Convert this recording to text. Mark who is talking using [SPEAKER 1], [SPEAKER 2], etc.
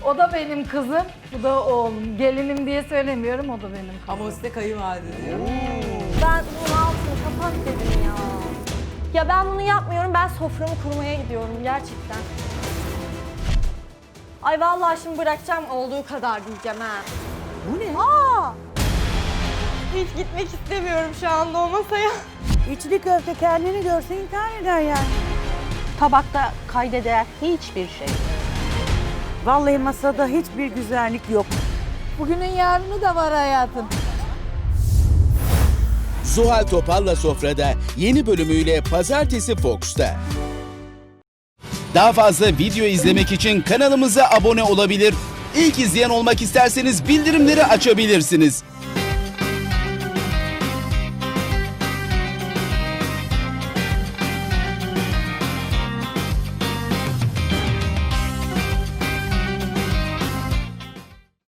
[SPEAKER 1] O da benim kızım, bu da oğlum. Gelinim diye söylemiyorum, o da benim kızım.
[SPEAKER 2] Ama o size kayınvalide diyor.
[SPEAKER 3] Ben bunun altını kapat dedim ya. Ya ben bunu yapmıyorum, ben soframı kurmaya gidiyorum gerçekten. Ay vallahi şimdi bırakacağım olduğu kadar diyeceğim ha.
[SPEAKER 2] Bu ne?
[SPEAKER 3] Aa! Hiç gitmek istemiyorum şu anda o masaya.
[SPEAKER 4] İçli köfte kendini görse intihar eder yani.
[SPEAKER 5] Tabakta kaydeder hiçbir şey.
[SPEAKER 4] Vallahi masada hiçbir güzellik yok.
[SPEAKER 1] Bugünün yarını da var hayatım.
[SPEAKER 6] Zuhal Topal'la Sofra'da yeni bölümüyle Pazartesi Fox'ta. Daha fazla video izlemek için kanalımıza abone olabilir. İlk izleyen olmak isterseniz bildirimleri açabilirsiniz.